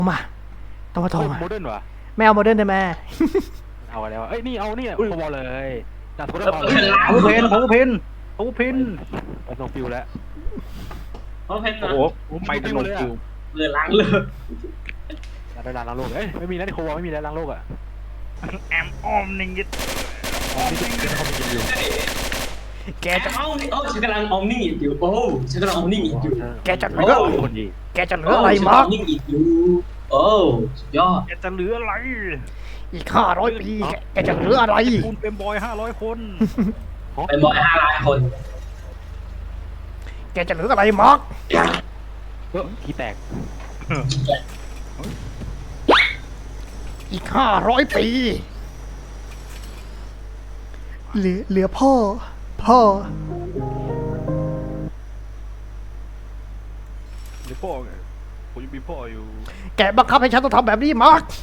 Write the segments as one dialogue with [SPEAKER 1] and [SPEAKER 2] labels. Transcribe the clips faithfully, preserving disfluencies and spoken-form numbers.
[SPEAKER 1] มาตัวทอง
[SPEAKER 2] โมเดิร์นวะ
[SPEAKER 1] ไม่เอาโมเดิร์นได้ไหม
[SPEAKER 2] เอาอะไรวะเอ้ยนี่เอานี่อุ้ยพอเลยจัดโมเดิร์น
[SPEAKER 3] เขาเพนเขาเพนเขาเพน
[SPEAKER 2] มันลงฟิวแล้ว
[SPEAKER 4] เขาเพน
[SPEAKER 3] โอ้
[SPEAKER 4] นะ
[SPEAKER 3] โหไปกันลงคิว
[SPEAKER 4] เรือล้างเรือ
[SPEAKER 2] ได้ล้างโลกเอ้ยไม่มีแล้วที่โควาไม่มีแล้วล้างโลกอ่ะ
[SPEAKER 3] แอมออมนิงยิด
[SPEAKER 1] แกจะ
[SPEAKER 4] เอ้าเอ้าฉันกำลังออมนิ่งอยู่โอ้ฉันกำลังออมนิ่งอยู่
[SPEAKER 1] แกจะเหลือ
[SPEAKER 2] คนดี
[SPEAKER 1] แกจะเหลืออะไรมา
[SPEAKER 4] นิ่งอยู่โอ้สุดยอด
[SPEAKER 3] แกจะเหลืออะไร
[SPEAKER 1] อีกห้าร้อยปีแกแกจะเหลืออะไร
[SPEAKER 3] คุณเป็นบอยห้าร้อยคน
[SPEAKER 4] เป็นบอยห้าล้านคน
[SPEAKER 1] แกจะเหลืออะไรมาร์ก
[SPEAKER 2] เออขี้แตก
[SPEAKER 1] อีกห้าร้อยปีเหลือเหลือพ่อ พ่อ
[SPEAKER 3] หรือพ่อไงผมยังมีพ่ออยู่
[SPEAKER 1] แกบังคับให้ฉันต้องทำแบบนี้มาร์ก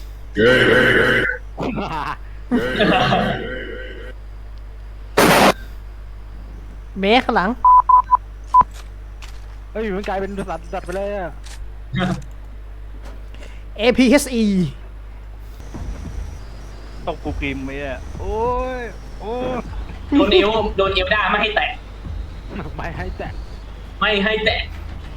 [SPEAKER 1] เมฆข้างหลัง
[SPEAKER 2] เฮ้ยมันกลายเป็นสัตว์สัตว์ไปเลยอ่ะ
[SPEAKER 1] เอ พี เอส อี
[SPEAKER 3] ต้องกูกริมไหมอ่ะโอ้ยโอ้ย
[SPEAKER 4] โดนเอวโดนเอวด้าไม่ให้แตะ
[SPEAKER 2] ไม่ให้แตก
[SPEAKER 4] ไม่ให้แตะ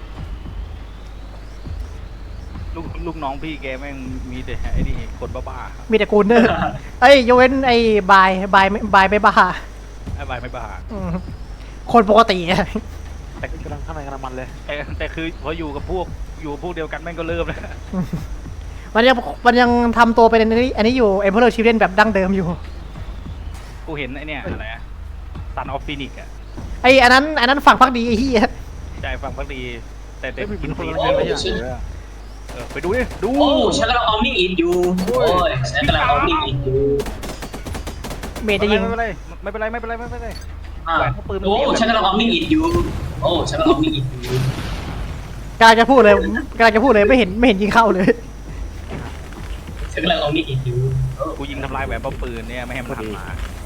[SPEAKER 3] ลูกลูกน้องพี่แกแม่งมีแต่ไอ้นี่คนบ้า
[SPEAKER 1] มีแต่กูเนอร์เอ้ยยกเว้นไอ้บายบายบายไม่บ้า
[SPEAKER 3] ๆไอ้บายไม่บ้า
[SPEAKER 1] อืมคนปกติอะ
[SPEAKER 2] แต่กำลังข้างในกำลังมันเลย
[SPEAKER 3] แต่แต่คือพออยู่กับพวกอยู่พวกเดียวกันแม่งก็เริ่มแล้ว
[SPEAKER 1] มันยังมันยังทำตัวเป็นอันนี้อันนี้อยู่ Emperor Children แบบดั้งเดิมอยู่
[SPEAKER 3] กูเห็นไอ้เนี่ยอะไรอะซันออฟฟินิกอะ
[SPEAKER 1] ไอ้อันนั้นอันนั้นฝั่งพักดีไอ้เหี้ย
[SPEAKER 3] ใจฟังพักดี แต่แต่
[SPEAKER 2] เฮ้ย
[SPEAKER 3] กิ
[SPEAKER 2] กิ
[SPEAKER 3] น
[SPEAKER 2] นค
[SPEAKER 3] ฟ
[SPEAKER 2] น
[SPEAKER 3] รี
[SPEAKER 2] ละอย่างไม่ใช่เหรอ
[SPEAKER 3] เออไปดูดิดู
[SPEAKER 4] โอ้ฉันกำลังออมนิ่งอยู่โอ้ยฉันกำลังออมนิ่งอยู่
[SPEAKER 1] เมย์จะยิง
[SPEAKER 3] ไม่เป็นไรไม่เป็นไรไม่เป็นไรไม่เป็นไร
[SPEAKER 4] อ่าโอ้ฉันกำลังออมนิ่งอยู่โอ้ฉันกำลังออมนิ่งอยู่
[SPEAKER 1] กำลังจะพูดเลยกำลังจะพูดเลยไม่เห็นไม่เห็นยิงเข้าเลย
[SPEAKER 4] ฉันกำลังออมนิ่งอยู่
[SPEAKER 3] กูยิงทำลายแหวนป้อมปืนเนี่ยไม่ให้มันหันมา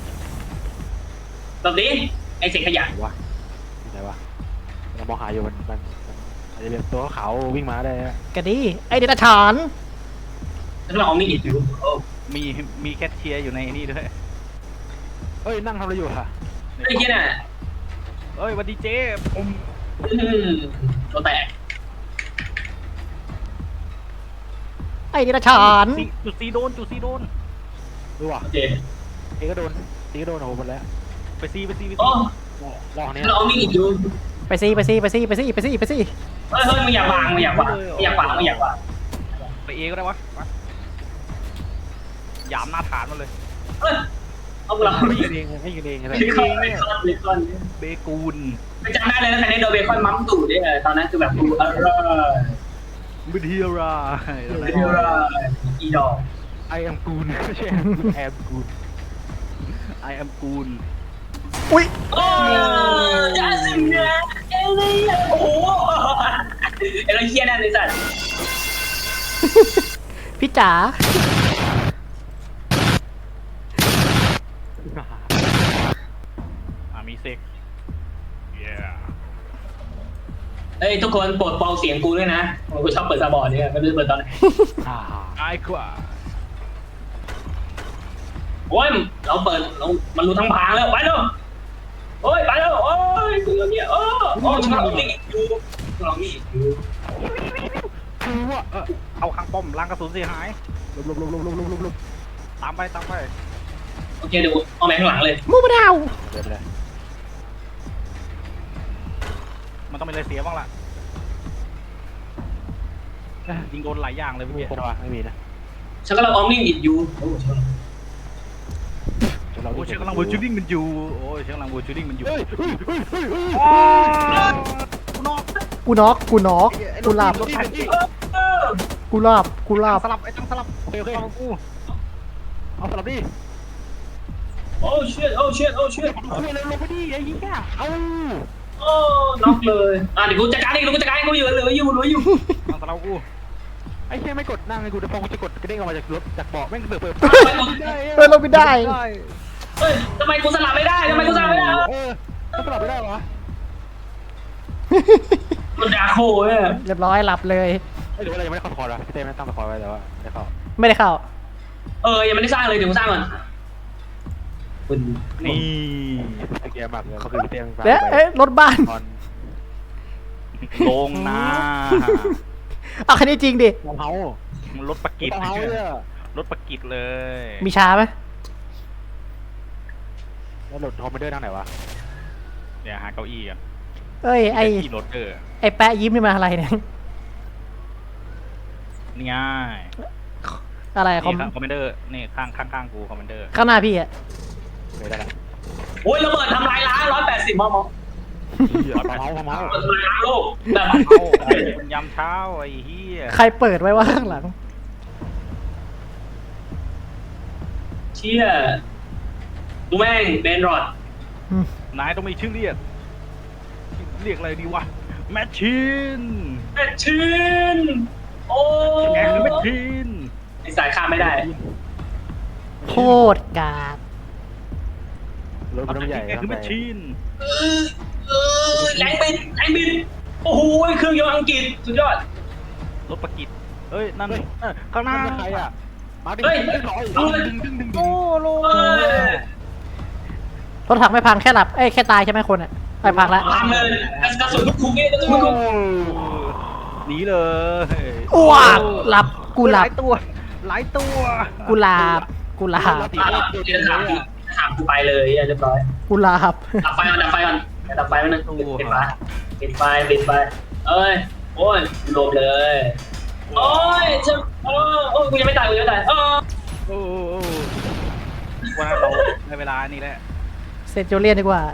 [SPEAKER 4] ตอนนี้ไอ้เศษขยะ
[SPEAKER 2] วะไหนวะเรามองหาอยู่มันมันอาจจะเป็นตัวขาววิ่งมาได้
[SPEAKER 1] กะดีไอ้เดรัจฉาน
[SPEAKER 4] ฉันกำลังออมนิ่งอยู่โอ้
[SPEAKER 3] มีมีแคทเชียร์อยู่ในนี่ด้วย
[SPEAKER 2] เอ้ยนั่งทำอะไรอยู่ค่ะ
[SPEAKER 4] ไอ้เหี้ยน่ะ
[SPEAKER 3] เอ้ยวันดีเจผม
[SPEAKER 4] อืมตัวแตก
[SPEAKER 1] ไอ้เดรัจฉาน
[SPEAKER 3] จุดซีโดนจุดซีโดน
[SPEAKER 2] ดูว่ะ
[SPEAKER 4] โอเค
[SPEAKER 2] เอก็โดนตีก็โดนโอ้โหหมดแล้ว
[SPEAKER 3] ไปซีไปซีไป
[SPEAKER 4] โอ้
[SPEAKER 3] ซี
[SPEAKER 2] ลอง
[SPEAKER 4] ฉั
[SPEAKER 2] เนี้
[SPEAKER 4] น
[SPEAKER 2] ย
[SPEAKER 4] กำลังออมนิ่งอยู่
[SPEAKER 1] ไปซิไปซิไปซิไปซิไปซิไปซิ
[SPEAKER 4] เฮ้ยเฮ้ยมึงอยากวางมึงอยากวางมึงอยากวางมึงอยากวาง
[SPEAKER 3] ไปเอก็ได้วะมาหยามหน้าฐานมาเลย
[SPEAKER 4] เฮ้ยเอาเรา
[SPEAKER 2] ไม่ยิงเองไม่ยิงเองอะไร
[SPEAKER 4] เบคอนเบคอนเบคอน
[SPEAKER 3] เบกูน
[SPEAKER 4] ไปจำได้เลยนะใครได้โดนเบคอนมัมตู่เนี่ยตอนนั้นคือแบบกูอร่อย
[SPEAKER 3] บิเทียรา
[SPEAKER 4] อร่อยอีดอก
[SPEAKER 2] ไอแอมกูนไม่ใช่แอมกูน
[SPEAKER 3] ไอแอมกูน
[SPEAKER 1] อุ้ย
[SPEAKER 4] โอ้ยจ้าสิเนี่ยเอเลี่ยโอ้โหเอเลี่ยนั่นเลยสัตว์
[SPEAKER 1] พี่จ๋า
[SPEAKER 3] อ่ามีเซ็กเย้
[SPEAKER 4] เฮ้ยทุกคนโปรดเบาเสียงกูด้วยนะกูชอบเปิดซาบอร์ดเนี่ยไม่รู้เปิดตอนไหน
[SPEAKER 2] อ่า
[SPEAKER 3] ไอ้กว่า
[SPEAKER 4] โอ้ยเราเปิดเรามันรู้ทั้งพางแล้วไปแล้วโอ้ยไปแล้วโอ้ยกูเนี่ยโอ้โอ้ฉันลองนี่อยู่ลองนี่อยู่
[SPEAKER 3] คือว่าเออเอาข้างป้อมล้างกระสุนเสียหาย
[SPEAKER 2] ลบลบลบลบลบลบลบลบ
[SPEAKER 3] ตามไปตามไป
[SPEAKER 4] โอเคเดี๋ยวเอาแมงข้างหลังเลย
[SPEAKER 1] มูมาดาว
[SPEAKER 2] เดี๋ยวไปเลย
[SPEAKER 3] มันต้องมีอะไรเสียบ้างล่ะยิงโดนหลายอย่างเลย
[SPEAKER 2] ไม่
[SPEAKER 3] เมื่อ
[SPEAKER 2] มี
[SPEAKER 3] กี้
[SPEAKER 2] คนวะไม่มีนะ
[SPEAKER 4] ฉันกำลังออมนิ่งอยู่โอ้ฉัน
[SPEAKER 3] โอ้ยเชือกกำลังบูชูดิ้งมันอยู่โอ้ยเชือกกำลังบูชูดิ้งมันอยู่
[SPEAKER 2] เฮ้ยเฮ้ยเฮ้ยเฮ้ยเฮ้ย
[SPEAKER 3] อ๋อกูนอก
[SPEAKER 1] กูน็อกกูน็อกกูหลับ
[SPEAKER 3] รถถังอีก
[SPEAKER 1] กูหลับกูหลับ
[SPEAKER 3] สลับไอ้ตั้งสลับ
[SPEAKER 2] โอเคโอเค
[SPEAKER 3] เอากู
[SPEAKER 2] เอาสลับดิ
[SPEAKER 4] โอ้เชิดโอ้เชิดโอ้เชิด
[SPEAKER 2] เอาเลยลงไปดิไอ้เหี้ยเอา
[SPEAKER 4] โอ้น็อกเลยอ่ะเดี๋ยวกูจัดการเองเดี๋ยวกูจัดการเองกูอยู่เหลืออยู่เหลืออยู่
[SPEAKER 3] ตั้งสลับกู
[SPEAKER 2] ไอ้เหี้ยไม่กดนั่งไอ้กูจะพอกูจะกดกระเด้งออกมาจากรถจากเบาะแม่งเปิดเปิด
[SPEAKER 1] เออเราไม่ได้
[SPEAKER 4] เฮ้ยทำไมกูสลับไม่ได้ทำไมกูสลับไม่ได้
[SPEAKER 2] เออต้องสลับไม่ได้เหรอ
[SPEAKER 4] มันดาโคเนี่ย
[SPEAKER 1] เรียบร้อยหลับเลย
[SPEAKER 2] ไม่รู้อะไรยังไม่ได้เข้าคอร์ดวะพี่เต้ไม่ได้ตั้งคอร์ดไว้แต่ว่าได้เข้า
[SPEAKER 1] ไม่ได้เข้า
[SPEAKER 4] เออยังไม่ได้สร้างเลยเดี๋ยวกูสร้างก่อนคุณ
[SPEAKER 3] นี่
[SPEAKER 2] ไอ้เกียร์มากเลยเขาคือพี่เต้ตั้ง
[SPEAKER 1] แล้วเอ๊ะรถบ้าน
[SPEAKER 2] ตอน
[SPEAKER 3] ลงนา
[SPEAKER 1] เอาคันนี้จริงดิ
[SPEAKER 2] มองเฮาร
[SPEAKER 3] ถประกิต
[SPEAKER 2] มองเฮาเนี่ย
[SPEAKER 3] รถประกิตเลย
[SPEAKER 1] มีช้าไหม
[SPEAKER 2] แล้วรถคอมมานเดอร์นั่งไหนวะ
[SPEAKER 3] เดี๋ยวหาเก้าอี้อ่ะ
[SPEAKER 1] เอ้ยไอ
[SPEAKER 3] ที่รถเออ
[SPEAKER 1] ไอแปะยิ้มนี่มาอะไรเนี่ย
[SPEAKER 3] นี่ง่าย
[SPEAKER 1] อะไรคอม
[SPEAKER 3] นี่คอมเมนเดอร์นี่ข้างข้างข้างกูคอมเมนเดอร์
[SPEAKER 1] ข้างหน้าพี่อะ
[SPEAKER 2] ไม่ได้ละ
[SPEAKER 4] โอ้ยระเบิดทำลายล้างร้อยแปดสิบมม
[SPEAKER 2] มองเฮามองเฮา
[SPEAKER 4] ระเบิดทำลายล้างโลกแบบ
[SPEAKER 3] เอ้าไอ้คนยำเช้าไอ้เหี้ย
[SPEAKER 1] ใครเปิดไว้ว่าข้างหลัง
[SPEAKER 4] เชี่ยกูแม่งเบนรอด
[SPEAKER 1] อืม
[SPEAKER 3] นายต้องมีชื่อเรียกเรียกอะไรดีวะแมชชีน
[SPEAKER 4] แมชชีนโอ้
[SPEAKER 3] แกคือแมชชีน
[SPEAKER 4] ไอสายข้ามไม่ได้
[SPEAKER 1] โคตรกาก
[SPEAKER 2] รถมันใหญ่
[SPEAKER 3] แกคือแมชชีน
[SPEAKER 4] เออเออแรงบินแรงบินโอ้โหเครื่องยนต์อังกฤษสุดยอด
[SPEAKER 3] รถประกิตเอ้ยนั่นเอ้ยข้างห
[SPEAKER 2] น้า
[SPEAKER 3] น้า
[SPEAKER 2] ใครอ่ะมาดิ
[SPEAKER 4] เฮ้ย
[SPEAKER 2] ดึงหน่อย
[SPEAKER 4] เอาเลย
[SPEAKER 2] ดึงดึงดึงดึ
[SPEAKER 3] โอ้
[SPEAKER 2] ง
[SPEAKER 3] โล
[SPEAKER 4] เออ
[SPEAKER 1] รถถังไม่พังแค่หลับเอ้ยแค่ตายใช่ไหมคนอะไปพังละ
[SPEAKER 4] พังเลยกระสุนทุกคุกเนี่ยกระสุนทุกคุก
[SPEAKER 3] หนีเลย
[SPEAKER 1] อ้วกหลับกูหลั
[SPEAKER 3] ห
[SPEAKER 1] บ
[SPEAKER 3] ลายตัวหลายตัว
[SPEAKER 1] กูหลับกูหลับ
[SPEAKER 4] อ่ะเดี๋ยวถามพี่ถามกูไปเลยเรียบร้อย
[SPEAKER 1] กูหลับ
[SPEAKER 4] ดับไฟก่อนดับไฟก่อนดับไฟไว้นึงปิดไฟปิดไฟปิดไฟเอ้ยโอ้ยลมเลยโอ้ยจะโอ้โอ้กูยังไม่ตายกูยังไม่ตายเออ
[SPEAKER 3] โอ้โอ้โอ้วันนั้นเราในเวลานี่แหละ
[SPEAKER 1] เซนโจเลียนดีกว่า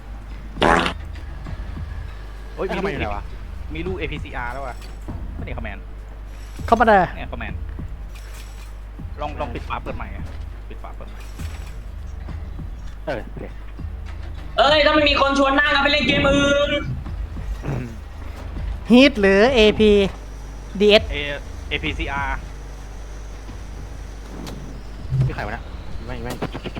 [SPEAKER 3] โอ้ย
[SPEAKER 2] ทำไมอยู่ไหนวะ
[SPEAKER 3] มีลูก เอ พี ซี อาร์ แล้วว่ะไม่ได้คอมแมน
[SPEAKER 1] เข้ามาเลย
[SPEAKER 3] เนี่ยคอมแมนลองลองปิดฝาเปิดใหม่อะปิดฝาเปิดใหม่
[SPEAKER 2] เออโอเค
[SPEAKER 4] เอ้ยถ้าไม่มีคนชวนนั่งกันไปเล่นเกมอื่น
[SPEAKER 1] ฮีทหรือ เอ พี ดี เอส
[SPEAKER 3] เอ เอ พี ซี อาร์
[SPEAKER 2] พี่ไข่วะนะไม่ไม่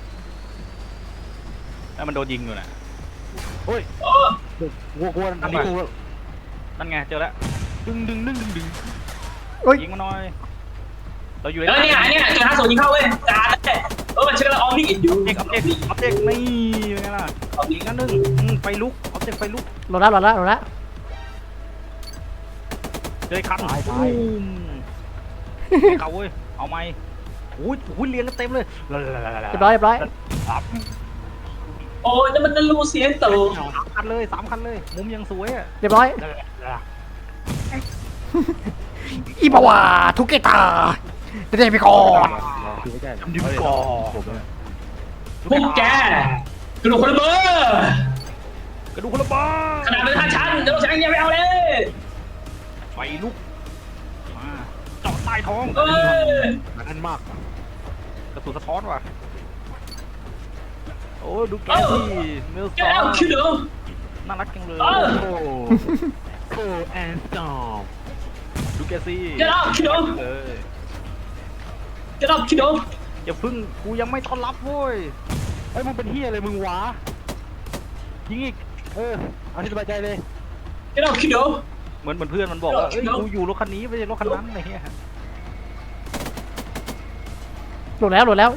[SPEAKER 3] แล้วมันโดนยิงอยู่น่ะ
[SPEAKER 2] โอ้ย
[SPEAKER 4] โอ้
[SPEAKER 2] วัวกวนอันนี้กู
[SPEAKER 3] นั่นไงเจอแล้ว
[SPEAKER 2] ดึงดึงดึงดึงดึง
[SPEAKER 1] โอ้ย
[SPEAKER 3] ยิงมาหน่อยเราอยู่
[SPEAKER 4] เออเนี่ยเนี่ยจุดห้าศูนย์ยิงเข้าเว้ยจานเลยเออมันชื่ออะไรออมนี่อยู่
[SPEAKER 3] เอ็กออบเจกต์ออบเจกต์นี่เป็นไงล่ะ
[SPEAKER 4] ออม
[SPEAKER 3] ยิ
[SPEAKER 4] นี่
[SPEAKER 3] งกันหนึ่งอืมไฟลุกออบเจกต์ไฟลุก
[SPEAKER 1] โหลดละโหลดละโหลดละ
[SPEAKER 3] เจอคัน
[SPEAKER 2] ตาย
[SPEAKER 3] ตู
[SPEAKER 2] ตาย
[SPEAKER 3] มเขาเว้ยเอาไหมอุ้ยอุ้ยเรียงกันเต็มเลย
[SPEAKER 1] เรียบร้อยเรียบร้อย
[SPEAKER 4] โอ้ยนั่นมันนั่นลูเซียนโต
[SPEAKER 3] สามคันเลยสามคันเลยมุมยังสวยอ่ะ
[SPEAKER 1] เรียบร้อยอีบาวาทุกเกตาเดี๋ยวไปก่อน
[SPEAKER 2] คือไม่ใช่
[SPEAKER 3] ดึงก่อน
[SPEAKER 4] พวกแกกระดูกคนละเบอร์
[SPEAKER 3] กระดูกคนละบ้า
[SPEAKER 4] ขนาดเป็นท่าชั้นเดี๋ยวฉันยังไม่เอาเลย
[SPEAKER 3] ไฟลุกมาเจาะใต้ท้อง
[SPEAKER 4] เอ้ย
[SPEAKER 2] นั่นมาก
[SPEAKER 3] กระสุนสะท้อนว่ะโอ้ดูแกที่เมล
[SPEAKER 4] แก
[SPEAKER 3] ซอ
[SPEAKER 4] เอา
[SPEAKER 3] น
[SPEAKER 4] คิวเดิม
[SPEAKER 3] น่ารักจังเลย
[SPEAKER 4] เออ
[SPEAKER 2] โอ้โอ้แอนด์สตอม
[SPEAKER 3] ดูแกซี่
[SPEAKER 4] แกเอาคิวเดิม
[SPEAKER 3] เออ
[SPEAKER 4] แกเอาคิวเดิม
[SPEAKER 3] อย่าพึ่งกูยังไม่ต้อนรับเว้ย
[SPEAKER 2] เฮ้ยมึงเป็นเฮียอะไรมึงวะยิงอีกเออเอาที่สบายใจเลย
[SPEAKER 4] แกเอาคิวเดิม
[SPEAKER 3] เหมือนเหมือนเพื่อนมันบอกว่าเอ้ย
[SPEAKER 4] เดี๋ยว
[SPEAKER 3] กูอยู่รถคันนี้ไม่ใช่รถคันนั้นอะไรเงี้ย
[SPEAKER 1] โหลดแล้วโหลดแล้ว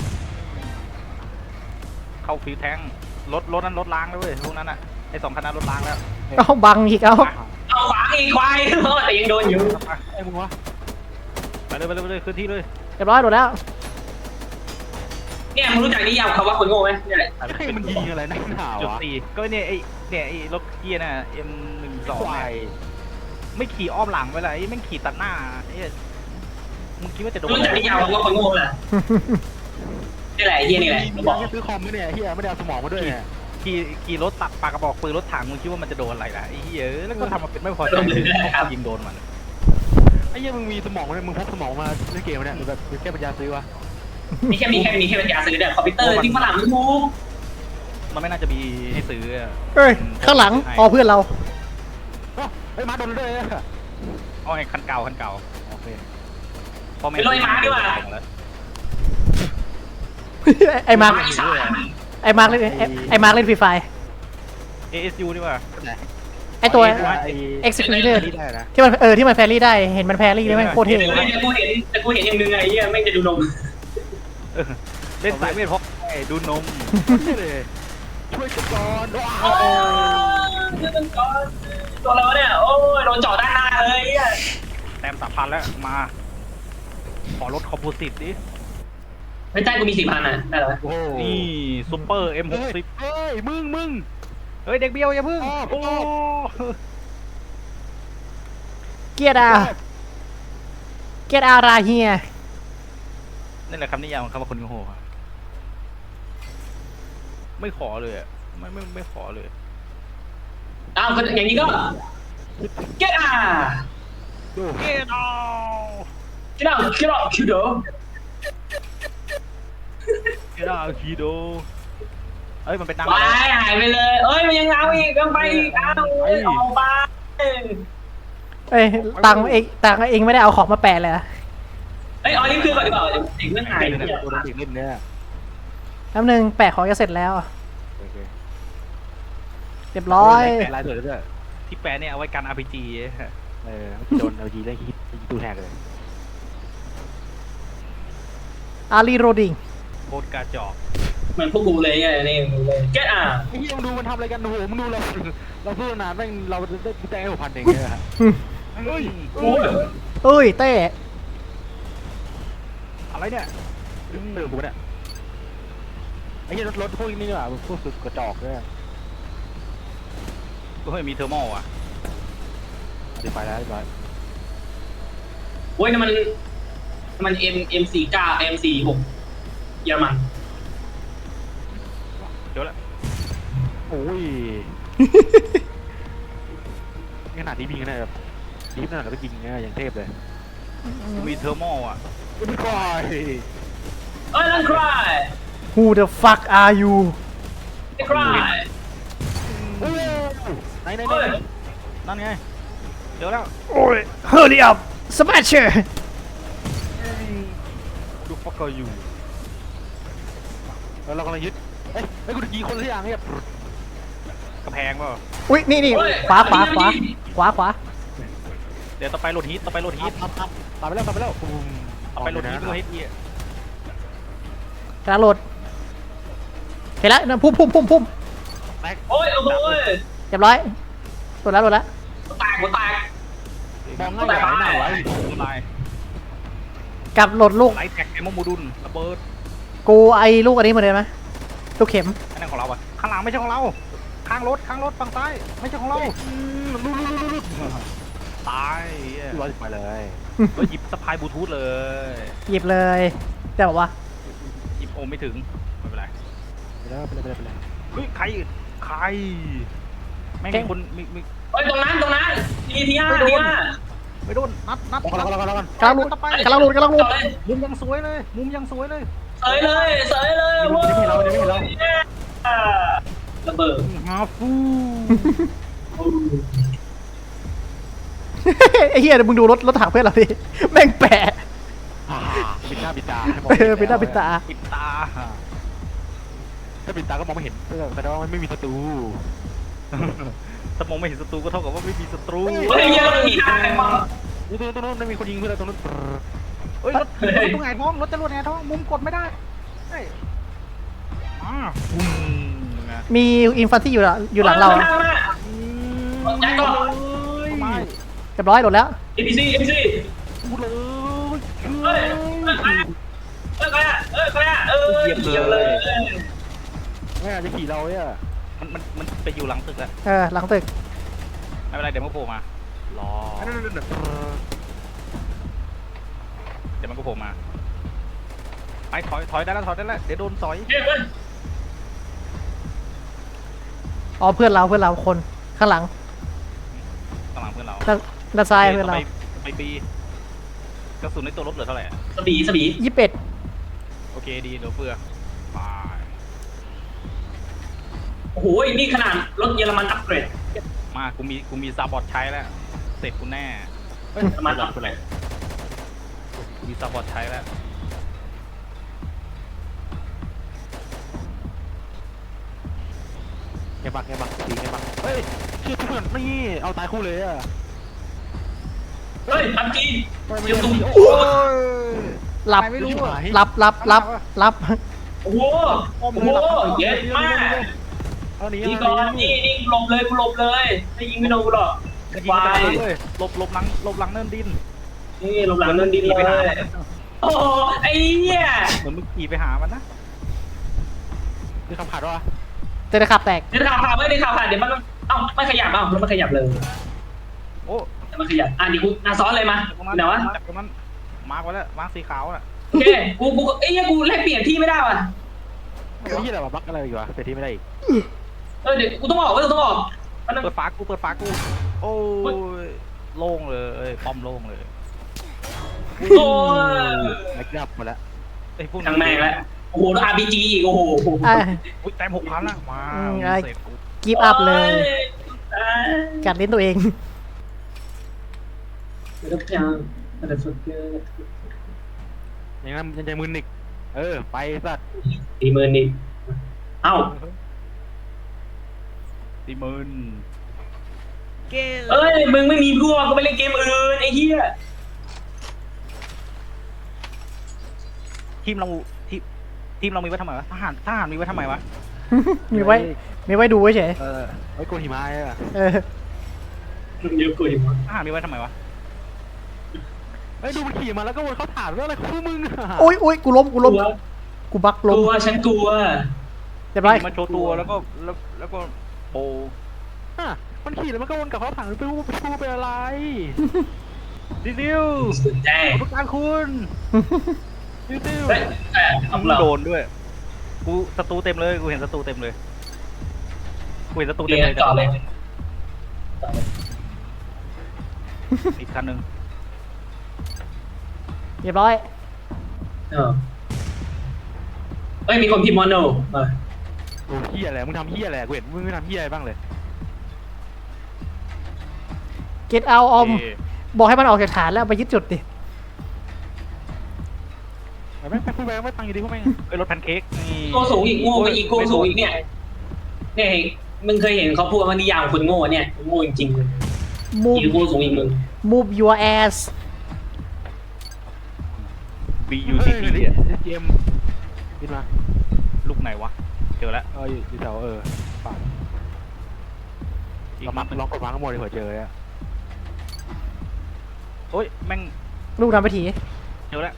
[SPEAKER 3] เข้าฟิวแทงรถรถนั้นรถล้างแล้วเว้ยพวกนั้นอ่ะไอสองคันนั้นรถล้างแล้ว
[SPEAKER 1] เอาบังอีกเอา
[SPEAKER 4] เอาขวางอีกควายแต่ยังโดนอยู่
[SPEAKER 2] ไอ้มึงวะ
[SPEAKER 3] ไปเลยไปเลยไปเลยขึ้นที่เลย
[SPEAKER 1] เรียบร้อยโหลดแล้ว
[SPEAKER 4] เนี่ยมึงรู้จักนิยามคำว่าคนโง่ไหมเนี่ยแหละ
[SPEAKER 2] ให้มันยิงอะไรนักหนาว
[SPEAKER 3] จุด
[SPEAKER 2] วะ
[SPEAKER 3] สี่ก็เนี่ยไอเนี่ยไอรถเกียร์น่ะ เอ็ม หนึ่งสอง
[SPEAKER 2] ควาย
[SPEAKER 3] ไม่ขี่อ้อมหลังไปเลยไอ้แม่งขี่ตัดหน้าไอ้เหี้ยมึงคิดว่าจะโดน
[SPEAKER 4] รู้จักนิยามคำว่าคนโง่แหละนี่แหละเฮียนี่แหละ
[SPEAKER 2] มึง
[SPEAKER 4] บอก
[SPEAKER 2] จะซื้อคอมไหมเนี่ยเฮียไม่ได้เอาสมองมาด้วยเนี่ย
[SPEAKER 3] ขี่ขี่รถตัดปากกระบอกปืนรถถังมึงคิดว่ามันจะโดนอะไรล่ะไอ้เหี้ยแล้วก็ทำมาเป็นไม่พอใจเขายิงโดนมัน
[SPEAKER 2] ไอ้เฮียมึงมีสมองไหมมึงพกสมองมาเล่นเกมเนี่ยหรือแบบแค่ปัญญาซื้อวะ
[SPEAKER 4] มีแค่มีแค่มีแค่ปัญญาซื้อเด็กคอมพิวเตอร์ที่ฝรั่งมันถูก
[SPEAKER 3] มันไม่น่าจะมีให้ซื้ออะ
[SPEAKER 1] เอ้ยข้างหลังอ๋อเพื่อนเรา
[SPEAKER 2] ไอ้มาโดนด้วย
[SPEAKER 3] เอาไอ้คันเก่าคันเก่า
[SPEAKER 2] โอเค
[SPEAKER 3] พ่อแม่
[SPEAKER 4] ไปลอยม้าดีกว่า
[SPEAKER 1] ไอ้มาร์ค
[SPEAKER 4] อีสาน
[SPEAKER 1] ไอ้มาร์คเล่นไอ้ไอ้มาร์คเล่นฟรีไฟ
[SPEAKER 3] เอเอสยูดีกว่า
[SPEAKER 2] ไหน
[SPEAKER 1] ไอตัว
[SPEAKER 2] ไอ้
[SPEAKER 1] Executor
[SPEAKER 2] นี่ได้นะ
[SPEAKER 1] ที่มันเออที่มันแฟรี่ได้เห็นมันแฟรี่ได้ไหมโคตรเท่
[SPEAKER 4] เฮ้ยแต่กูเห็นแต่กูเห็นอย่างนึงไงเหี้ยแม่งจะดูนม
[SPEAKER 3] เล่นสายเวทเพราะไอ้ดูนม
[SPEAKER 2] นี่เลยช่วยกันก่อนว้า
[SPEAKER 4] โอ้
[SPEAKER 2] วย
[SPEAKER 4] ตัวเราเนี่ยโอ้ยโดนเจาะด้านหน้าเลยเหี้ย
[SPEAKER 3] แต้มสามพันแล้วมา ขอลดคอมโพสิตดิ
[SPEAKER 4] ไม่ใช่กูมีสี่พันอ่ะได้เหรอ
[SPEAKER 2] โอ้โห
[SPEAKER 3] นี่ซูเปอร์ เอ็ม หกสิบ
[SPEAKER 2] เฮ้ยมึงมึง
[SPEAKER 3] เฮ้ย เด็กเบี้ยวอย่าพึ่ง
[SPEAKER 2] อ้อ
[SPEAKER 3] โอ้
[SPEAKER 1] เกียร์อาเกียร์อาราเฮีย
[SPEAKER 3] นั่นแหละคำนิยามของคำว่าคนโง่อะไม่ขอเลยอะไม่ไม่ไม่ขอเลย
[SPEAKER 4] อ้าวก็อย่างนี้ก็ get out
[SPEAKER 2] ดู
[SPEAKER 3] เอ็ดเอา
[SPEAKER 4] get out get out get out
[SPEAKER 3] เอ็ดเอาคีโดเอ้ย มันเป็นดัง
[SPEAKER 4] ไปหายไปเลยเอ้ยมันยังเอาอีกยังไปอีกอ้าวเอ้ยออกไป
[SPEAKER 1] เอ้ยตังค์เองตังค์เองไม่ได้เอาของมาแปะเลยอะ
[SPEAKER 4] เอ้ยเอาลิ้นคือก่อนดีกว่าเด็กเรื่องหาย
[SPEAKER 2] ไอ้
[SPEAKER 4] เนี่ย
[SPEAKER 2] ตัวนั้นอีกเล่นเนี่ย
[SPEAKER 1] แป๊บนึงแปะของจะเสร็จแล้ว
[SPEAKER 2] โอเค
[SPEAKER 1] เรียบร้อย
[SPEAKER 2] ลายสวยด้วย
[SPEAKER 3] ที่แปลเนี่ยเอาไว้กัน อาร์ พี จี
[SPEAKER 2] เออโดนเอาจีได้ฮิตตู้แทกเลย
[SPEAKER 1] อารีโรดิง
[SPEAKER 3] โคตรกระจอก
[SPEAKER 4] เหมือนพวกกูเลยเนี่ยนี่มึงเลย get out
[SPEAKER 2] ไอ้เหี้ยมึงดูมันทำอะไรกันโอ้โหมึงดูเราเราสู้นานแม่งเราได้แต้มหกพันเองเนี่ยฮะ
[SPEAKER 3] เฮ้ย
[SPEAKER 4] โอ้ย
[SPEAKER 1] เอ้ยเต้
[SPEAKER 3] อะไรเนี่ย
[SPEAKER 2] เติมกูเนี่ยไอ้เหี้ยรถรถพวกนี้นี่หว่าพวกสุดกระจอกด้วย
[SPEAKER 3] เฮ้ย มีเทอร์โมอ่ะ
[SPEAKER 2] อธิบายแล้วอธิบาย
[SPEAKER 4] โอ้ยนั่นมันมัน M M สี่เก้า M สี่หกเยอรมัน
[SPEAKER 3] เดี๋ยวละ
[SPEAKER 2] โอ้ยขนาดนี้ยิงกันได้แบบดีขนาดเราไปยิงเนี่ยอย่างเทพเลย
[SPEAKER 3] มีเทอร์โมอ่ะ
[SPEAKER 2] ไม่ค่อย
[SPEAKER 4] เอ้ยนั่นใคร
[SPEAKER 1] Who the fuck are you
[SPEAKER 4] ไม่ใคร
[SPEAKER 2] โอ้ไหนไหนไหน
[SPEAKER 4] เฮ้ย
[SPEAKER 3] นั่นไง เดี๋ยวแล้ว
[SPEAKER 1] โอ้ย Hurry up Smasher
[SPEAKER 3] ดูฟักเกอร์อยู่
[SPEAKER 2] แล้วเรากำลังยึดเอ้ยไอ้กูจะยิงคนละอย่างเนี่ย
[SPEAKER 3] กระแพงเปล่า
[SPEAKER 1] อุ้ยนี่นี่ขวาขวาขวาขวาขวา
[SPEAKER 3] เดี๋ยวต่อไปโหลดฮีทต่อไปโหลดฮีท
[SPEAKER 2] ตามตามตามไปแล้วตามไปแล้ว
[SPEAKER 3] ต่อไปโหลดฮีทโหลดฮีทเอีย
[SPEAKER 1] กระโดดเห็นแล้วนั่นพุ่มพุ่มพุ่มพุ่ม
[SPEAKER 4] โอ้ยโอ้โห
[SPEAKER 1] เรียบร้อยโดดแล้วโดดแล้ว
[SPEAKER 4] แตกหัวแตก
[SPEAKER 2] มองง่ายไหนหนาไว้
[SPEAKER 3] ลาย
[SPEAKER 1] กลับโหลดลูก
[SPEAKER 3] ไลท์แท็กเอมโมดูลระเบิด
[SPEAKER 1] กูไอลูกอันนี้มาเลยไหมลูกเข็ม
[SPEAKER 3] อันนั้นของเราอะข้างหลังไม่ใช่ของเรา ข้างรถข้างรถฝั่งซ้ายไม่ใช่ของเรา
[SPEAKER 2] ลุ้นลุ้นลุ้นลุ้น
[SPEAKER 3] ตายเหี้ย
[SPEAKER 2] ร้อยสิบไปเลย
[SPEAKER 3] แล้วหยิบสะพายบลูทูธเลย
[SPEAKER 1] หยิบเลยแต่บอกว่า
[SPEAKER 3] หยิบโอมไม่ถึงไม่เป็นไร
[SPEAKER 2] ไปแล้วไปแล้วไปแล้วไปแล้ว
[SPEAKER 3] เฮ้ยใครใครไม่มีคนมีมี
[SPEAKER 4] เฮ้ยตรงนั้นตรงนั้นทีทีห้าทีห้า
[SPEAKER 3] ไม่โดนนัดนัด
[SPEAKER 2] กำลังกำลังกำลัง
[SPEAKER 1] กำลังหลุดกำลังหลุดกำลังหลุด
[SPEAKER 4] ต่อเลย
[SPEAKER 3] มุมยังสวยเลย มุมยังสวยเลย
[SPEAKER 4] เสยเลยเสยเลยโว้ยระเบิด
[SPEAKER 3] ฮาฟู
[SPEAKER 1] ไอ้เหี้ยมึงดูรถรถถังเพื่อนเราดิแม่งแปะ
[SPEAKER 2] บิดหน้าบิดตา
[SPEAKER 1] เออปิดหน้าปิดตา
[SPEAKER 3] ปิดตา
[SPEAKER 2] ถ้าบิดตาก็มองไม่เห็นแต่ว่ามันไม่มีศัตรู
[SPEAKER 3] ถ้ามองไม่เห็นศัตรูก็เท่ากับว่าไม่มีศัตรู
[SPEAKER 4] เฮ้ยยังทีห้าใครมา
[SPEAKER 2] ตรงนู้นตรงนู้นไม่มีคนยิงเพื่อนตรงนู้น
[SPEAKER 3] เฮ้ยรถรถตรงไหนท้องรถจรวดไหนท้องมุมกดไม่ได้เฮ้ยอ่าปุ้มไง
[SPEAKER 1] มีอินฟันที่อยู่หลังอยู่หลังเรา
[SPEAKER 4] แจ็คก็
[SPEAKER 3] ไม่
[SPEAKER 1] เรียบร้อยโดดแล้ว
[SPEAKER 4] เอ็มพีซีเอ็มพีซี
[SPEAKER 3] พูดเลย
[SPEAKER 4] เฮ้ยเฮ้ยใครอ่ะเฮ้ยใครอ่ะเออเหยียบเลย
[SPEAKER 2] ไม่อาจจะขี่เราเนี่ย
[SPEAKER 3] มันมันมันไปอยู่หลังตึกแล้ว
[SPEAKER 1] เออหลังตึก
[SPEAKER 3] ไม่เป็นไรเดี๋ยวมันก็โผล่มา
[SPEAKER 2] รอ
[SPEAKER 3] เดี๋ยวมันก็โผล่มาไปถอยถอยได้แล้วถอยได้แล้วเดี๋ยวโดนสอย
[SPEAKER 4] เฮ้ยเฮ้ย
[SPEAKER 1] อ๋อเพื่อนเราเพื่อนเราคนข้างหลัง
[SPEAKER 3] ข้างหลังเพื่อนเรา
[SPEAKER 1] ด้านด้านซ้ายเพื่อนเรา
[SPEAKER 3] ไปไปปีกระสุนในตัวรถเหลือเท่าไหร่อะ
[SPEAKER 4] สบีสบี
[SPEAKER 1] ยี่สิบเอ็ด
[SPEAKER 3] โอเคดีเดี๋ยวเฟือไป
[SPEAKER 4] โอ้โหนี่ขนาดรถเยอรมันอัปเกรด
[SPEAKER 3] มากูมีกูมีซาบอร์ดใช้แล้วเสร็จกูแน่
[SPEAKER 4] เยอรมันอัปเกรด
[SPEAKER 3] กูมีซาบอร์ดใช้แล้ว
[SPEAKER 2] แกงบักไงบักตีไงบักเฮ้ยเชื่อเพื่อนนี่เอาตายคู่เลยอะ
[SPEAKER 4] เฮ้ยพับจี
[SPEAKER 2] ไม่ไม่
[SPEAKER 4] เดี๋ยวตุ้ม
[SPEAKER 2] ไม่
[SPEAKER 3] โอ้ย
[SPEAKER 1] หลับ
[SPEAKER 3] ไม่รู้อะ
[SPEAKER 1] รับรับรับรับ
[SPEAKER 4] โอ้โหโอ้โหเย็ดมาก
[SPEAKER 2] เอาหนี
[SPEAKER 4] นี่
[SPEAKER 2] เอา
[SPEAKER 4] ก่อน
[SPEAKER 2] หนี
[SPEAKER 4] นี่นี่หลบเลยกูหลบเลยไม่ยิงไม่โดนกูหรอก
[SPEAKER 3] ยิง
[SPEAKER 4] วา
[SPEAKER 3] ไป
[SPEAKER 4] ย
[SPEAKER 3] เลยหลบหลบหลังหลบหลังเนินดิน
[SPEAKER 4] นี่หลบหลังนั่นดีเลยโอ้ไอ้เนี่ย
[SPEAKER 3] เหมือนมึงขี่ไปหามันนะ
[SPEAKER 2] คือคำขาดวะ
[SPEAKER 1] เจอขับแตก
[SPEAKER 4] เดี๋ยวข่าวผ่านไม่ได้ข่าวผ่านเดี๋ยวมันเอ้าไม่ขยับเอ้าแล้วมันขยับเลย
[SPEAKER 3] โอ้
[SPEAKER 4] แต่มันขยับอ่ะดิกูอ่ะซ้อนเลยมา
[SPEAKER 3] ตรงนั้น
[SPEAKER 4] เดี๋ยววะ
[SPEAKER 3] จากตรงนั้นมาร์กไว้แล้วมาร์กสีขาวน่ะ
[SPEAKER 4] โอเคกูกูเอ้ยกูแลกเปลี่ยนที่ไม่ได้ว่ะ
[SPEAKER 2] ไอ้ยี่อะไรวะบักอะไรอีกวะเปลี่ยนที่ไม่ได้อีก
[SPEAKER 4] เออเดี๋ยวกูต้องออกเว้ยต้องออกมัน
[SPEAKER 3] เปิดฟ้ากูเปิดฟ้ากูโอ้ยโล่งเลยป้อมโล่งเลย
[SPEAKER 4] โอ้ย
[SPEAKER 2] ไอ้กลับหมดแล้ว
[SPEAKER 3] ไอ้พวกนี้
[SPEAKER 4] ทางแม่งแล้วโอ้โหอาร์พีจีอีกโอ้โห
[SPEAKER 1] อ่ะ
[SPEAKER 3] อุ้ยแต้มหกพันละมา
[SPEAKER 1] อืมไอ้
[SPEAKER 3] เสร็จกู
[SPEAKER 1] กีบอัพเลย
[SPEAKER 4] ตาย
[SPEAKER 1] กัดลิ้นตัวเอง
[SPEAKER 4] ทุกอย่างอะไรสุดเกิน
[SPEAKER 2] ยังงั้นยังใจมึนอีกเออไปสัตว์
[SPEAKER 4] สี่หมื่นนี่เอ้า
[SPEAKER 3] สี่หมื่นเกม
[SPEAKER 4] เอ้ยมึงไม่มีพวกก็ไปเล่นเกมอื่นไอ้เหี้ย
[SPEAKER 3] ทีมเราทีมทีมเรามีไว้ทำไมวะทหารทหารมีไว้ทำไมวะ
[SPEAKER 1] มีไว้ มีไว้ดูเฉย
[SPEAKER 2] เออไว้โกนหิมะอ่ะ
[SPEAKER 1] เออ
[SPEAKER 4] เยอะกว่าอีกมั้ง
[SPEAKER 3] ทหารมีไว้ทำไมวะ
[SPEAKER 2] ไอ้ดูมันขี่มาแล้วก็วนเขาถามเรื่องอะไรคู่มึงอ่ะ
[SPEAKER 1] โอ้ยโอ้ยกูล้ม กูล้ม กูบัก
[SPEAKER 4] ก
[SPEAKER 1] ล้ม
[SPEAKER 4] ลัวฉันกลัว
[SPEAKER 1] เรียบร้อย
[SPEAKER 3] มาโชว์ตัวแล้วก็แล้วแล้วก็โบ
[SPEAKER 2] อ่ะมันขี่แล้วมันก็วนกลับเขาถามไปว่าไปชูเป็นอะไร
[SPEAKER 3] ดิดิว
[SPEAKER 4] สุดใจ
[SPEAKER 3] ขอบคุณการคุณ
[SPEAKER 2] ดิวดิว
[SPEAKER 4] เฮ้ยเออเอา
[SPEAKER 3] มึง
[SPEAKER 4] เรา
[SPEAKER 3] โดนด้วย กูศัตรูเต็มเลยกูเห็นศัตรูเต็มเลยกูเห็นศัตรู
[SPEAKER 4] เรี
[SPEAKER 3] เต็ม
[SPEAKER 4] ย
[SPEAKER 3] เลย
[SPEAKER 4] นต่อเลย
[SPEAKER 3] อีกคันหนึ่ง
[SPEAKER 1] เรียบร้อย
[SPEAKER 4] เออเอ้ยมีคนพิมพ์มอนโนเออ
[SPEAKER 2] โอ้เฮียอะไรมึงทำเฮียอะไรกูเห็นมึงไม่ทำเฮียอะไรบ้างเลย
[SPEAKER 1] เก็ตเอาออม
[SPEAKER 3] เ
[SPEAKER 1] บอกให้มันออกจากฐานแล้วไปยึดจุดดิ
[SPEAKER 2] ไปแม่งไปพูดไปไม่ตังอยู่ดีพวกแม่ง
[SPEAKER 3] อ้ยรถแพนเค้กนี่
[SPEAKER 4] โง่สูงอีกโง่ไปอีกโง่สูงอีกเนี่ยเนี่ยมึงเคยเห็นเขาพูดว่านิยามคนโง่เนี่ยโง่จริงๆเลย
[SPEAKER 1] move
[SPEAKER 4] อีกโง่สูงอีกมึง
[SPEAKER 1] move your ass
[SPEAKER 3] บียูซีที
[SPEAKER 2] เจมบินมา
[SPEAKER 3] ลูกไหนวะ เจอแล้ว
[SPEAKER 2] เอออยู่แถวเออป่า
[SPEAKER 3] อีก
[SPEAKER 2] เรา
[SPEAKER 3] มั
[SPEAKER 2] มั
[SPEAKER 3] ด
[SPEAKER 2] ก
[SPEAKER 3] หนึ่ง
[SPEAKER 2] ล็อกกดวางข้างบนเลยเผื่อเจออ่ะ
[SPEAKER 3] โอ้ยแม่ง
[SPEAKER 1] ลูกนำไปถี
[SPEAKER 3] เจอแล้ว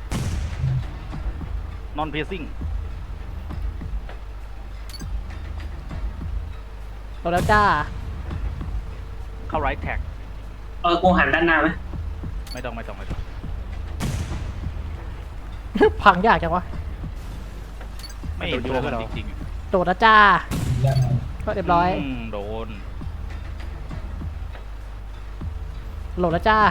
[SPEAKER 3] non piercing
[SPEAKER 1] เราแล้วจ้า
[SPEAKER 3] เข้า right tag
[SPEAKER 4] เออกูหันด้านหน้าไหม
[SPEAKER 3] ไม่ต้องไม่ต้องไม่ต้อง
[SPEAKER 1] พังยากจังวะ
[SPEAKER 3] ไม่เห็นตัวมันจริง
[SPEAKER 1] โดดแล้วจ้า ก็เรียบร้อย
[SPEAKER 3] มโดน
[SPEAKER 1] โหลดแล้วจ้า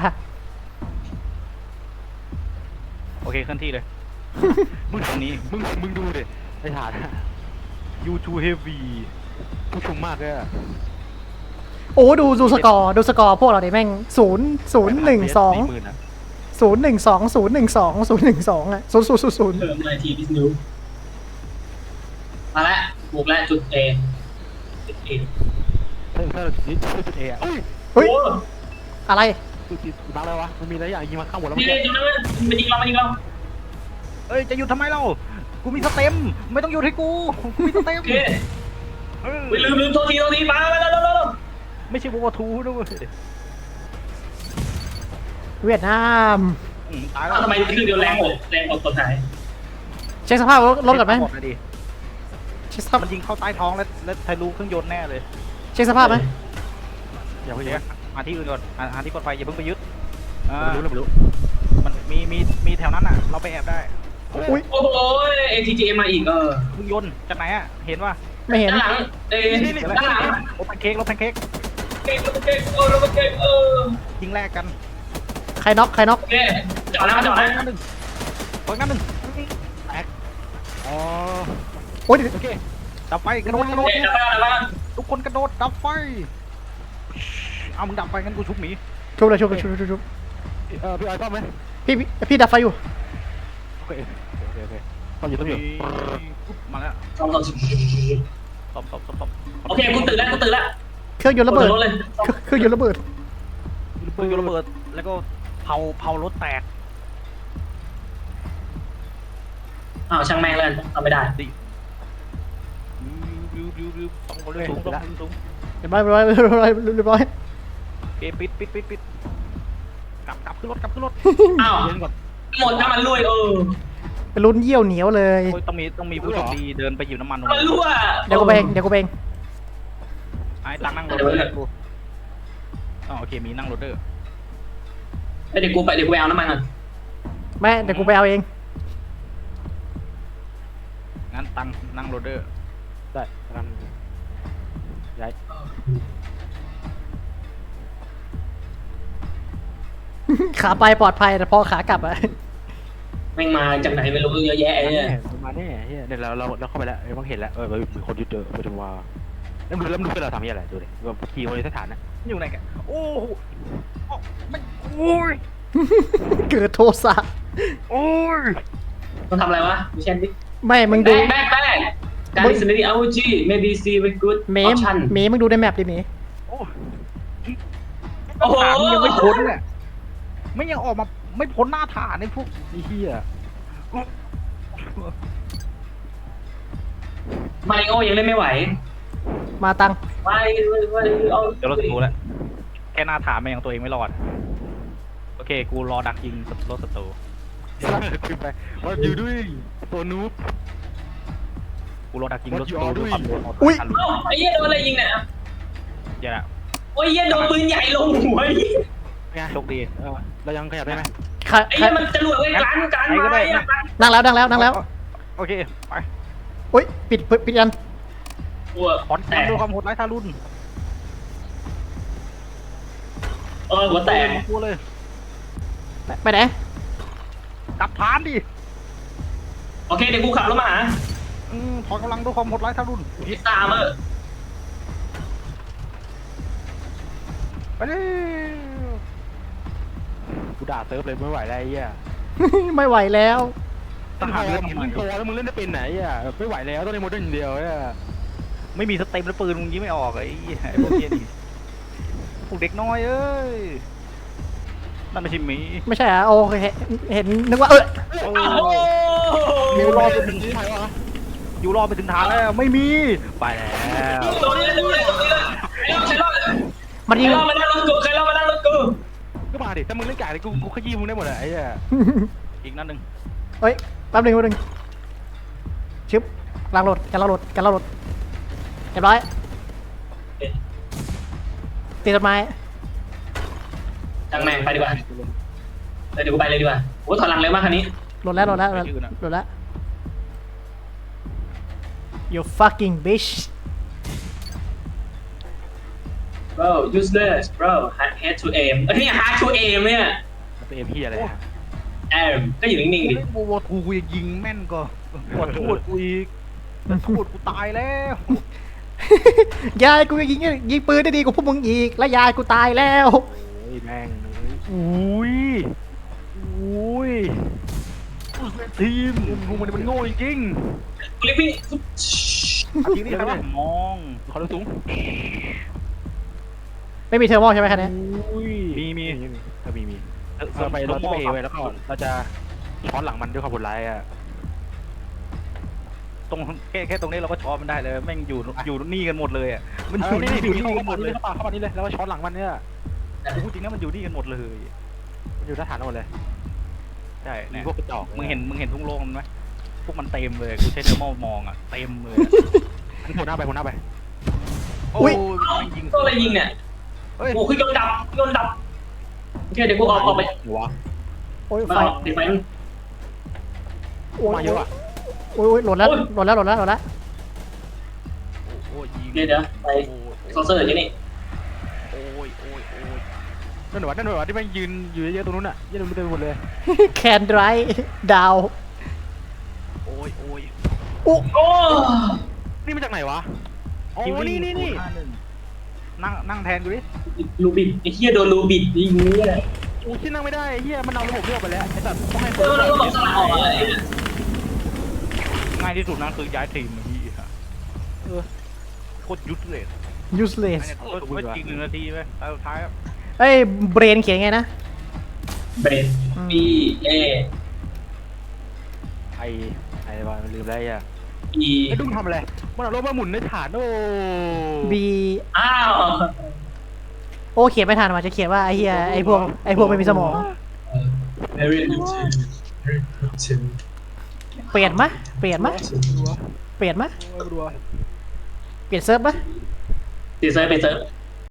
[SPEAKER 3] โอเคเคลื่อนที่เลย มึงตรงนี้
[SPEAKER 2] มึงมึงดูดิไอ้ฐานอะ
[SPEAKER 3] you too heavy
[SPEAKER 2] ผู้ชุมมากเลยอะ
[SPEAKER 1] โอ้ดูดูสกอร์ดูสกอร์พวกเราดิแม่งศูนย์ศูนย์หนึ่งสอง
[SPEAKER 2] สี่หมื่นอะ
[SPEAKER 1] ศูนย์หนึ่งสองศูนย์หนึ่งสองศูนย์หนึ่งสองอ่ะศูนย์ศูนย์ศูนย์ศูนย์
[SPEAKER 4] เพิ่มมาทีดิสนิวมาแล้วบุกแล้วจุดเอจุดเอ
[SPEAKER 2] ถ้าถ้าเราจุดจุดเออะเฮ้ย
[SPEAKER 1] เฮ้ย
[SPEAKER 4] โอ้
[SPEAKER 1] อะไร
[SPEAKER 2] จุดจุดบังเลยวะมันมีอะไรอย่างยิงมาข้างบนแล้ว
[SPEAKER 4] นี่
[SPEAKER 2] มัน
[SPEAKER 4] นี่จุดนั้นมันยิงเรามันยิงเรา
[SPEAKER 3] เอ้ยจะหยุดทำไมเรา กูมีสเต็มไม่ต้องหยุดให้กู กูมีสเต็ม
[SPEAKER 4] โอเค
[SPEAKER 3] เออ
[SPEAKER 4] ไปลืมลืมโทษทีโทษทีมาแล้วแล้วแล้ว
[SPEAKER 3] ไม่ใช่วัวทูด้วย
[SPEAKER 1] เวียดนาม
[SPEAKER 3] อืมตายแล้ว
[SPEAKER 4] ทำไมคือเดียวแรงหมดแรงหมดตัวท้าย
[SPEAKER 1] เช็คสภาพรถรถก่อนไหม
[SPEAKER 3] หมดเลยดิ
[SPEAKER 1] เช็คสภาพ
[SPEAKER 3] มันยิงเข้าใต้ท้องแล้วแล้วทะลุเครื่องยนต์แน่เลย
[SPEAKER 1] เช็คสภาพไหม
[SPEAKER 2] อย่า
[SPEAKER 3] โอ
[SPEAKER 2] ไป
[SPEAKER 3] เค
[SPEAKER 2] เยอะ
[SPEAKER 3] มาที่อื่นก่อนหาหาที่กดไฟอย่าเพิ่งไปยึดอ่า
[SPEAKER 2] ไม่รู้ไม่รู้
[SPEAKER 3] มันมีมีมีแถวนั้นอ่ะ เราไปแอบได้
[SPEAKER 1] อุ้ย
[SPEAKER 4] โอ้โหเอทีจีมาอีกเออ
[SPEAKER 3] เครื่องยนต์จากไหนอ่ะ เห็นป่ะ
[SPEAKER 1] ไม่เห็น
[SPEAKER 4] ด้านหลังเอ้ด้านหลัง
[SPEAKER 3] รถแพนเค้กรถแพนเค้ก
[SPEAKER 4] เก่งเก่งเออเก่งเออ
[SPEAKER 3] ยิงแรกกัน
[SPEAKER 1] ใครน็อกใครน็อก
[SPEAKER 4] โอเคจอดนะจอดนะ
[SPEAKER 3] งั้นหนึ่งของั้นหนึ่งแตกอ๋อ
[SPEAKER 1] โอ้ย
[SPEAKER 3] โอเคดับไฟกระโดดกระโดด
[SPEAKER 4] เอ๊ะดับบ้านดับบ้าน
[SPEAKER 3] ทุกคนกระโดดดับไฟเอามึงดับไฟงั้นกูชุบหมี
[SPEAKER 1] ชุบเลยชุบเลยชุบชุบชุบ
[SPEAKER 2] เออพี่ออยต้องไหม
[SPEAKER 1] พี่พี่พี่ดับไฟอยู่
[SPEAKER 2] โอเคโอเคโอเคต้องอยู่ต้องอยู่
[SPEAKER 3] มาแล้ว
[SPEAKER 4] สองสองสิบ
[SPEAKER 3] ซ่อมซ่อมซ่อมซ่อม
[SPEAKER 4] โอเคกูตื่นแล้วกูตื่นแล้ว
[SPEAKER 1] เครื่องยนต์ระเบิด
[SPEAKER 4] รถเลย
[SPEAKER 1] เครื่องยนต์ระเบิด
[SPEAKER 3] ปืนระเบิดแล้วก็เผาเผารถแตก
[SPEAKER 4] อ้าวช่างแม่งเลยทำไม่ได้
[SPEAKER 3] ดิริวริวริวต้องคนเลยสูงต้องสูง
[SPEAKER 1] เรียบร้อยเรียบร้อยเรียบร้อยเรียบร้อย
[SPEAKER 3] เอปิดปิดปิดปิดกลับกลับขึ้นรถกลับขึ้นรถ
[SPEAKER 4] อ้าว
[SPEAKER 3] เย็นก่อน
[SPEAKER 4] หมดน้ำมันรั่วเออ
[SPEAKER 1] เป็นลุ้นเยี่ยวเหนียวเลย
[SPEAKER 3] โอ้ยต้องมีต้องมีผู้โชคดีเดินไปหยิบน้ำมัน
[SPEAKER 4] น้ำมันรั่ว
[SPEAKER 1] เดี๋ยวกูเบงเดี๋ยวกูเบง
[SPEAKER 3] ไอ้ตังนั่งรถเลยกูอ๋อโอเคมีนั่งรถเด้อ
[SPEAKER 4] เดี๋ยวกูไปเดี๋ยวกูไปเอาน้ำมันก่อน
[SPEAKER 1] แม่เดี๋ยวกูไปเอาเอง
[SPEAKER 3] งั้นตังนั่งรถเด้อ
[SPEAKER 2] ได้กันย้าย
[SPEAKER 1] ขาไปปลอดภัยแต่พอขากลับอะ
[SPEAKER 4] แม่งมาจากไหนไม่รู้เยอะแยะไอ้เนี่ย
[SPEAKER 2] มาแน่เฮียเนี่ยเราเราเราเข้าไปแล้วเออมันเห็นแล้วเออมีคนยึดเจอไปดูว่าแล้วดูแล้วดูเป็นเราทำยังไงดูดิว่าขี่คนในสถานนะ
[SPEAKER 3] อยู่ไหนกันโอ้โหมันโอ้ย
[SPEAKER 1] เกิดโทสะ
[SPEAKER 3] โอ้ย
[SPEAKER 4] ต้องทำอะไรวะดูเช่นดิ
[SPEAKER 1] ไม่มึง
[SPEAKER 4] แบ
[SPEAKER 1] ดู
[SPEAKER 4] กแบกแบกการดิสนีย์เอาจี maybe see very good
[SPEAKER 1] เมม
[SPEAKER 4] option
[SPEAKER 1] เมมมึงดูในแมปดิเมม
[SPEAKER 3] โอ้
[SPEAKER 4] โอ้โห
[SPEAKER 3] ฐานยังไม่พ้นเลยไม่ยังออกมาไม่พ้นหน้าฐานในพวก
[SPEAKER 2] นี่เฮีย
[SPEAKER 4] มาริโอยังเล่นไม่ไหว
[SPEAKER 1] มาตัง
[SPEAKER 4] ไม่ไม่เอา
[SPEAKER 3] เดี๋ยวเราจะรู้แล้วแค่หน้าฐานมันยังตัวเองไม่รอดโอเคกูรอดักยิงรถศัตรู
[SPEAKER 2] ขึ้นไปว่าอยู่ด้วยตัวนูบ
[SPEAKER 3] กูรอดักยิงรถศัตรู
[SPEAKER 2] What you all
[SPEAKER 3] ด้วยความเร็ว
[SPEAKER 1] อุ๊ย
[SPEAKER 3] ทัน
[SPEAKER 4] เอ้าไอ้เหี้ยโดนอะไรยิงเนี่ย
[SPEAKER 3] เดี๋ยวนะ
[SPEAKER 4] โอ้ยเหี้ยโดนปืนใหญ่ลงหัว
[SPEAKER 2] ไง
[SPEAKER 3] โชคดี
[SPEAKER 2] เออเรายังขยับได้ไหม
[SPEAKER 1] ขา
[SPEAKER 4] ไอ้เหี้ยมันจะรวดเว้ยการการมาไอ้
[SPEAKER 1] นั่งแล้วนั่งแล้วนั่งแล้ว
[SPEAKER 3] โอเคไป
[SPEAKER 1] อุ้ยปิดปิดปิดยัน
[SPEAKER 4] หัว
[SPEAKER 3] ขอน
[SPEAKER 4] แต
[SPEAKER 3] แตก
[SPEAKER 4] ก
[SPEAKER 3] ด้วยความโหดร้ายทารุณ
[SPEAKER 4] เออหัวแตก
[SPEAKER 3] กูเลย
[SPEAKER 1] ไปไหน
[SPEAKER 3] กลับฐานดิ
[SPEAKER 4] โอเคเดี๋ยวกูขับรถมาหา
[SPEAKER 3] อืมถอนกำลังด้วยความโหดร้ายทารุณ
[SPEAKER 4] พิซซ่าเมอร์
[SPEAKER 3] ไปเลย
[SPEAKER 2] กูด่าเซิร์ฟเลยไม่ไหวแล้วไอ้เหี้ย
[SPEAKER 1] ไม่ไหวแล้ว
[SPEAKER 3] ทหารเรือ
[SPEAKER 2] มึงโตแล้วมึงเล่นได้เป็นไหนอ่ะไม่ไหวแล้วต้องเล่นโมเดิร์นอย่างเดียวอ่ะ
[SPEAKER 3] ไม่มีสเต็มแล้วปืนมึงยิงไม่ออกไอ้ไอ้พวกเนี้ยนี่พวกเด็กน้อยเอ้ยนั่นไม่ใช่หมี
[SPEAKER 1] ไม่ใช่อ่ะโอเคเห็นเห็นนึกว่าเออ
[SPEAKER 3] โอ้
[SPEAKER 4] โอ้โห
[SPEAKER 3] มิวรอไปถึงที่ไหนวะอยู่รอไปถึงฐานแล้วไม่มีไปแล้ว
[SPEAKER 4] โดนเลยโดนเลยโดนเลยใครรอด
[SPEAKER 1] มัน
[SPEAKER 4] ใคร
[SPEAKER 1] ยิง
[SPEAKER 4] รอดมานั่งรถกูใครรอดมานั่งรถกู
[SPEAKER 2] ก็มาดิถ้ามึงเล่นกาดกูกูขยี้มึงได้หมดเลยไอ้เหี้ย
[SPEAKER 3] อีกนั่นหนึ่ง
[SPEAKER 1] เฮ้ยแป๊บหนึงแป๊บหนึงชึบล้างรถกันล้างรถกันล้างรถเรียบร้อยตีต้นไม้
[SPEAKER 4] จังแม่งไปดีกว่าเดี๋ยวกูไปเลยดีกว่าโอ้ถอยหลังเร็วมากคันนี้
[SPEAKER 1] หล่นแล้วหล่นแล้วหล่นแล้วหล่นแล้ว you fucking bitch
[SPEAKER 4] bro useless bro head to aim เอ้ยนี่ hard to aim เนี่ย
[SPEAKER 2] มันเป็นเอ็มพีอะไรอ่ะ
[SPEAKER 4] aim ก็อยู่นิ่งๆดิ
[SPEAKER 3] เล่นโบว์ทูกูยังยิงแม่นก็ปวดปวดกูอีกปวดกูตายแล้ว
[SPEAKER 1] ยายกูยิงยิงปืนได้ดีกว่าพวกมึงอีกและยายกูตายแล้ว
[SPEAKER 2] โอ้ยแม่งอุ้ยอุ้ย
[SPEAKER 3] ทีมกูมันมันโง่จริง
[SPEAKER 4] กูรีบวิ่ง
[SPEAKER 3] ๆทีนี้ใครวะมอง
[SPEAKER 2] ขอรู้สูง
[SPEAKER 1] ไม่มีเทอร์โมใช่ไหมคันนี้
[SPEAKER 2] อุ้ย
[SPEAKER 3] มีมี
[SPEAKER 2] ถ้ามีมีเราไปเราจะไปเอไว้แล้วก็เราจะช้อนหลังมันด้วยความโหดร้ายอ่ะ
[SPEAKER 3] ตรงแค่แค่ตรงนี้เราก็ช้อนมันได้เลยแม่งอยู่อยู่นี่กันหมดเลยอ่ะมัน
[SPEAKER 2] เอ
[SPEAKER 3] อยู่
[SPEAKER 2] อนี่
[SPEAKER 3] นี่
[SPEAKER 2] นี่
[SPEAKER 3] อ
[SPEAKER 2] อยู่
[SPEAKER 3] ยู่
[SPEAKER 2] นี่
[SPEAKER 3] นี่กันหมดเลย
[SPEAKER 2] เข้าป่าเข้าป่านี้เลยแล้วก็ช้อนหลังมันเนี่ย
[SPEAKER 3] พูดจริงนะมันอยู่นี่กันหมดเลย
[SPEAKER 2] มันอยู่ทหารหมดเลย
[SPEAKER 3] ใช่
[SPEAKER 2] มี
[SPEAKER 3] เนี่ย
[SPEAKER 2] พวกกระจอก
[SPEAKER 3] มึงเห็นมึงเห็นทุ่งโล่งมันไหมพวกมันเต็มเลยกูใช้เทอร์โมมองอ่ะเต็มเลย
[SPEAKER 2] มันหัวหน้าไปหัวหน้าไป
[SPEAKER 3] โอ้ย
[SPEAKER 4] เอ้า
[SPEAKER 3] แม่งยิง
[SPEAKER 4] ตัวอะไรยิงเนี่ย
[SPEAKER 3] เฮ้ย
[SPEAKER 4] โอ้คือยนต์ดับยนต์ดับโอเคเดี๋ยวกูออกออกไป
[SPEAKER 2] หัว
[SPEAKER 1] โอ้ย
[SPEAKER 4] มา
[SPEAKER 1] ไฟ
[SPEAKER 4] ออกติดไฟมัน
[SPEAKER 1] โอ้ย
[SPEAKER 2] มาเยอะอ่ะ
[SPEAKER 1] โอ้ยโอ้ยหล่นแล้วหล่นแล้วหล่นแล้วหล่นแล้ว
[SPEAKER 3] โอ้ยยิง
[SPEAKER 4] เดี๋ยวเดี๋ยวไป
[SPEAKER 3] โอ้ย
[SPEAKER 4] ซอเซอร์อยู่นี่
[SPEAKER 3] โอ้ยโอ้ยโอ้ย
[SPEAKER 2] นั่นหนูนั่นหนูที่มันยืนอยู่เยอะๆตรงนู้นอ่ะยืนเต็มไปหมดเลย
[SPEAKER 1] แคนดรายดาว
[SPEAKER 3] โอ้ยโอ้ย
[SPEAKER 1] อุ๊
[SPEAKER 4] โอ้
[SPEAKER 2] นี่มาจากไหนวะอ๋อ
[SPEAKER 3] คิว
[SPEAKER 2] นี่นี่นี่
[SPEAKER 3] ห้าหนึ่งนั่งนั่งแทนกูดิ
[SPEAKER 4] ลูบิดไอ้เหี้ยโดนลูบิดยิงเนี่ย
[SPEAKER 2] โอ้ที่นั่งไม่ได้เฮียมันเอาระบบเลือกไปแล้วไอ้สัตว์ต้องให้ค
[SPEAKER 4] เอน อแล้วก็บอกสลักออกอะไรเนี่ย
[SPEAKER 3] ง่ายที่สุดนั่นคือย้ายทีมพี่ฮะตรยุทธเลย
[SPEAKER 1] useless
[SPEAKER 3] เนี่ยโคตรไม่จริงหนึ่งนาทีไปตาสุดท้ายครับ
[SPEAKER 1] เอ้ยเบรนเขียนไงนะ
[SPEAKER 4] เบน B A
[SPEAKER 2] ไอไอวะมันลืมได้ยัง
[SPEAKER 4] E
[SPEAKER 2] ไอ้ดุ้งทำอะไรมันเอารถมาหมุนในฐานโอ้
[SPEAKER 1] b
[SPEAKER 4] อ้าว
[SPEAKER 1] โอ้เขียนไม่ทันมาจะเขียนว่าไอ้เหี้ยไอ้พวกไอ้พวกไม่มีสมอง
[SPEAKER 4] very good very good
[SPEAKER 1] เปลี่ยนมะเปลี่ยนมะเปลี่ยนมะ
[SPEAKER 2] โอ้ยรัว
[SPEAKER 1] เปลี่ยนเซิร์ฟมะ
[SPEAKER 4] ตีเซิร์ฟไปเซิร์ฟ